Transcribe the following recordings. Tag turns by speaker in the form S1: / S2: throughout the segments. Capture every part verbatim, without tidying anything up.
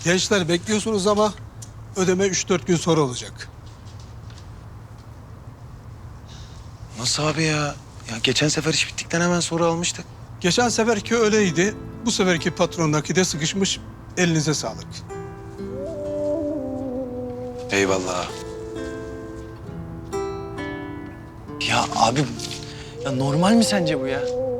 S1: Gençler bekliyorsunuz ama ödeme üç dört gün sonra olacak.
S2: Nasıl abi ya? Ya geçen sefer iş bittikten hemen sonra almıştık.
S1: Geçen seferki öyleydi. Bu seferki patrondaki de sıkışmış. Elinize sağlık.
S2: Eyvallah.
S3: Ya abi, ya normal mi sence bu ya?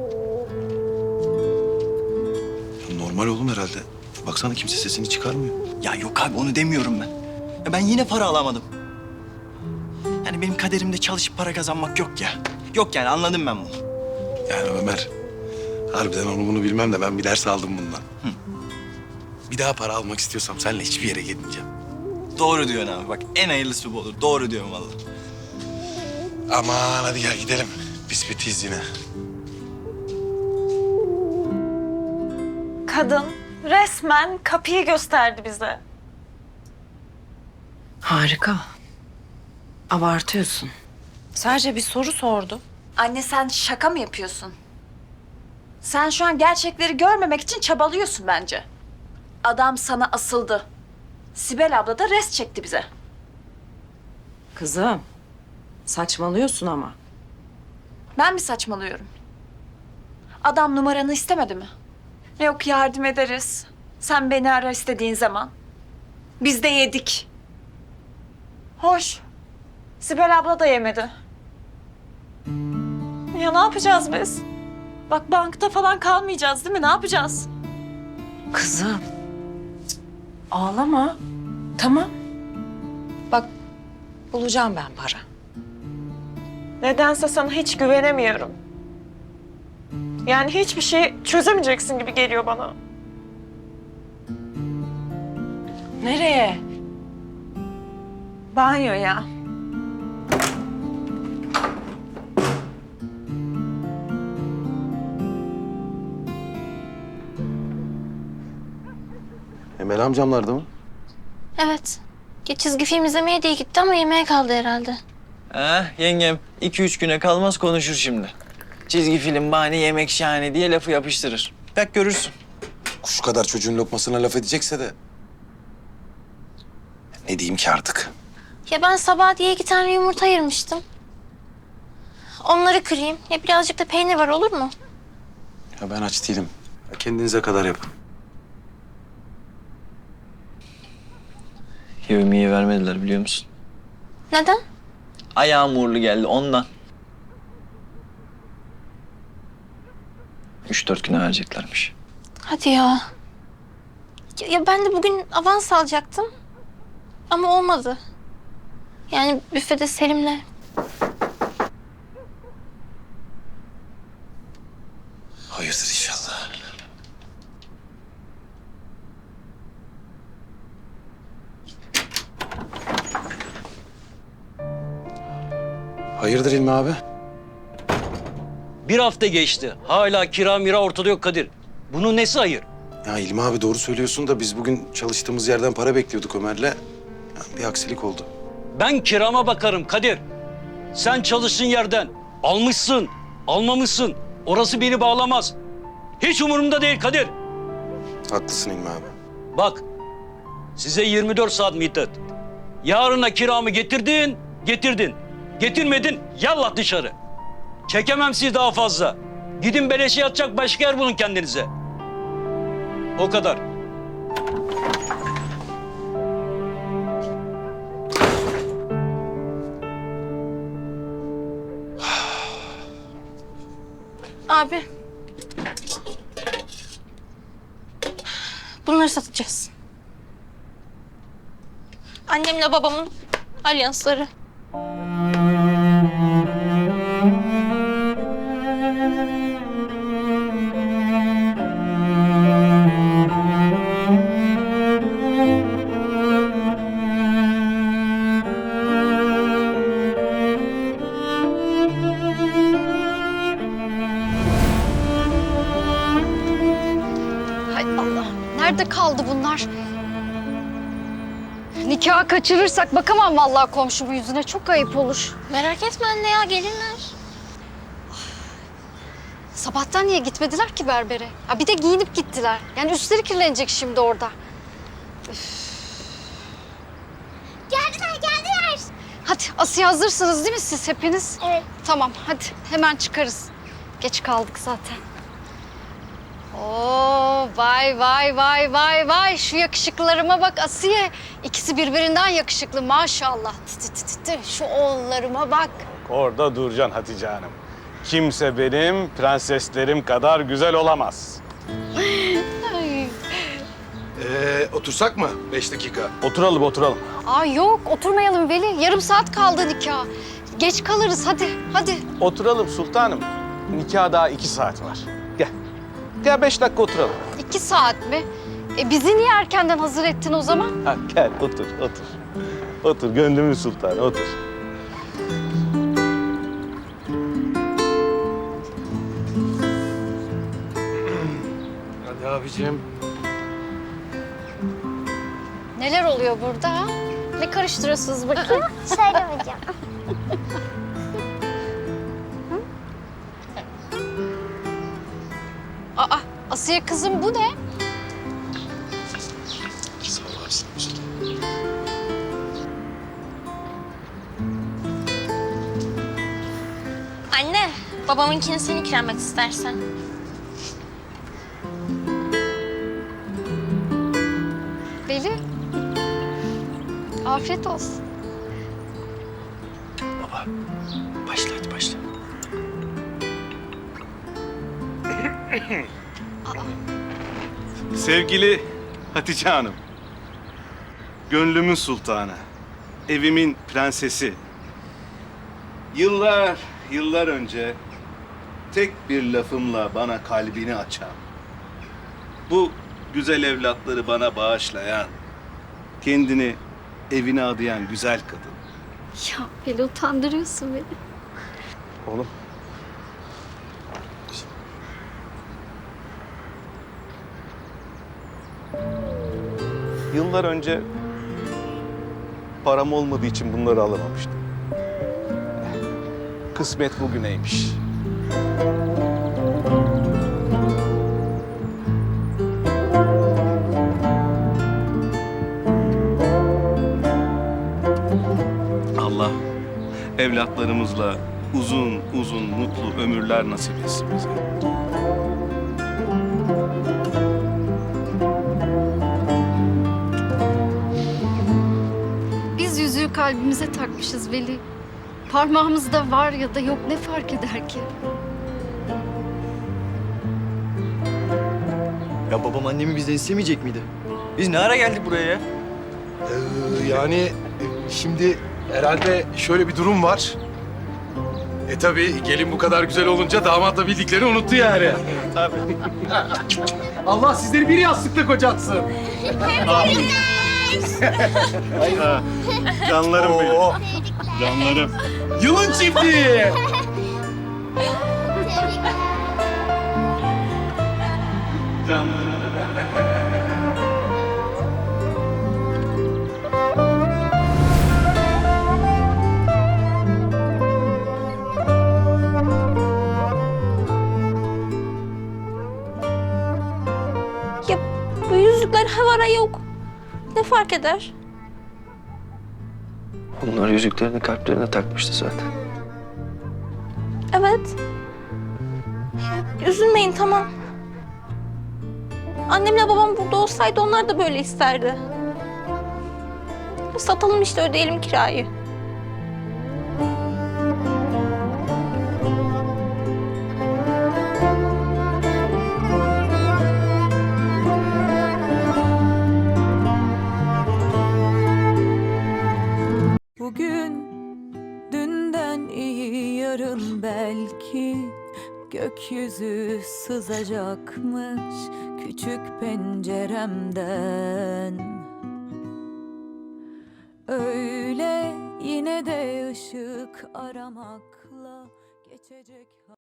S2: Ya normal oğlum herhalde. Baksana kimse sesini çıkarmıyor.
S3: Ya yok abi, onu demiyorum ben. Ya ben yine para alamadım. Yani benim kaderimde çalışıp para kazanmak yok ya. Yok yani, anladım ben bunu.
S2: Yani Ömer, harbiden onu bunu bilmem de ben bir ders aldım bundan. Hı. Bir daha para almak istiyorsam seninle hiçbir yere gitmeyeceğim.
S3: Doğru diyorsun abi, bak en hayırlısı bu olur. Doğru diyorum vallahi.
S2: Aman hadi gel gidelim. Biz bitiyiz yine.
S4: Kadın resmen kapıyı gösterdi bize.
S5: Harika. Abartıyorsun. Sadece bir soru sordu.
S4: Anne sen şaka mı yapıyorsun? Sen şu an gerçekleri görmemek için çabalıyorsun bence. Adam sana asıldı. Sibel abla da res çekti bize.
S5: Kızım, saçmalıyorsun ama.
S4: Ben mi saçmalıyorum? Adam numaranı istemedi mi? Yok yardım ederiz. Sen beni ara istediğin zaman. Biz de yedik. Hoş. Sibel abla da yemedi. Ya ne yapacağız biz? Bak bankta falan kalmayacağız değil mi? Ne yapacağız?
S5: Kızım, cık, ağlama. Tamam. Bak, bulacağım ben para.
S4: Nedense sana hiç güvenemiyorum. Yani hiçbir şey çözemeyeceksin gibi geliyor bana.
S5: Nereye?
S4: Banyoya.
S2: Emel amcamlarda mı?
S6: Evet. Ya çizgi film izlemeye diye gitti ama yemeğe kaldı herhalde.
S3: Ha yengem, iki üç güne kalmaz konuşur şimdi. Çizgi film bahane, yemek şahane diye lafı yapıştırır. Bak görürsün.
S2: Kuş kadar çocuğun lokmasına laf edecekse de... Ne diyeyim ki artık?
S6: Ya ben sabah diye iki tane yumurta ayırmıştım. Onları kırayım. Ya birazcık da peynir var, olur mu?
S2: Ya ben aç değilim. Ya kendinize kadar yapın.
S3: Yevmiye vermediler biliyor musun?
S6: Neden?
S3: Ayağım uğurlu geldi ondan. Üç dört güne vereceklermiş.
S6: Hadi ya. ya. Ya ben de bugün avans alacaktım. Ama olmadı. Yani büfede Selim'le.
S2: Hayırdır inşallah. Hayırdır İlmi abi?
S7: Bir hafta geçti. Hala kira mira ortada yok Kadir. Bunun nesi hayır?
S2: Ya İlmi abi doğru söylüyorsun da biz bugün çalıştığımız yerden para bekliyorduk Ömer'le. Ya bir aksilik oldu.
S7: Ben kirama bakarım Kadir. Sen çalıştığın yerden almışsın, almamışsın. Orası beni bağlamaz. Hiç umurumda değil Kadir.
S2: Haklısın İlmi abi.
S7: Bak, size yirmi dört saat müddet. Yarına kiramı getirdin, getirdin. Getirmedin, yallah dışarı. Çekemem sizi daha fazla. Gidin beleşe yatacak başka yer bulun kendinize. O kadar.
S6: Abi. Bunları satacağız. Annemle babamın alyansları.
S8: Hay Allah. Nerede kaldı bunlar? Nikahı kaçırırsak bakamam vallahi komşumun yüzüne. Çok ayıp olur.
S6: Merak etme anne ya, gelirler.
S8: Sabahtan niye gitmediler ki berbere? Ha bir de giyinip gittiler. Yani üstleri kirlenecek şimdi orada. Geldiler, geldiler. Hadi Asiye hazırsınız değil mi siz hepiniz? Evet. Tamam hadi hemen çıkarız. Geç kaldık zaten. Oo vay vay vay vay vay şu yakışıklılarıma bak Asiye. İkisi birbirinden yakışıklı maşallah. Tı tı tı tı. Şu oğullarıma bak.
S9: Orada duracaksın Hatice Hanım. Kimse benim prenseslerim kadar güzel olamaz.
S8: Ay.
S2: Ee, otursak mı? Beş dakika.
S9: Oturalım, oturalım.
S8: Aa yok oturmayalım Veli. Yarım saat kaldı nikah. Geç kalırız hadi hadi.
S9: Oturalım sultanım. Nikah daha iki saat var. Gel. Gel beş dakika oturalım.
S8: İki saat mi? E bizi niye erkenden hazır ettin o zaman?
S9: Ha, gel otur, otur. Otur, gönlümün sultanı, otur.
S2: Hadi abicim.
S8: Neler oluyor burada? ha? Ne karıştırıyorsunuz bakayım?
S6: Söylemeyeceğim.
S8: Aa Asiye kızım bu ne?
S2: Sağ ol abi, sağ ol.
S6: Anne, babamınkini sen ikram et istersen.
S8: Veli. Afiyet olsun.
S3: Baba, başla hadi başla.
S9: Sevgili Hatice Hanım. Gönlümün sultanı. Evimin prensesi. Yıllar, yıllar önce tek bir lafımla bana kalbini açan, bu güzel evlatları bana bağışlayan, kendini evine adayan güzel kadın.
S8: Ya Veli utandırıyorsun beni.
S9: Oğlum. Yıllar önce param olmadığı için bunları alamamıştım. Kısmet bugüneymiş. Allah evlatlarımızla uzun uzun mutlu ömürler nasip etsin bize.
S8: Biz yüzüğü kalbimize takmışız Veli. Parmağımızda var ya da yok ne fark eder ki?
S3: Ya babam annemi bizden istemeyecek miydi? Biz ne ara geldik buraya ya?
S2: Ee, yani e, şimdi herhalde şöyle bir durum var. E tabii gelin bu kadar güzel olunca damat da bildiklerini unuttu yani.
S9: Tabii.
S2: Allah sizleri bir yastıkta kocatsın.
S9: Canlarım benim.
S2: Oo,
S9: Canlarım.
S2: yılın çiftliği.
S6: Ya bu yüzükler havara yok. Ne fark eder?
S3: Bunlar yüzüklerini kalplerine takmıştı zaten.
S6: Evet. Ya, üzülmeyin tamam. Annemle babam burada olsaydı onlar da böyle isterdi. Satalım işte ödeyelim kirayı.
S10: Bugün dünden iyi yarın belki gökyüzü sızacakmış küçük penceremden. Öyle yine de ışık aramakla geçecek.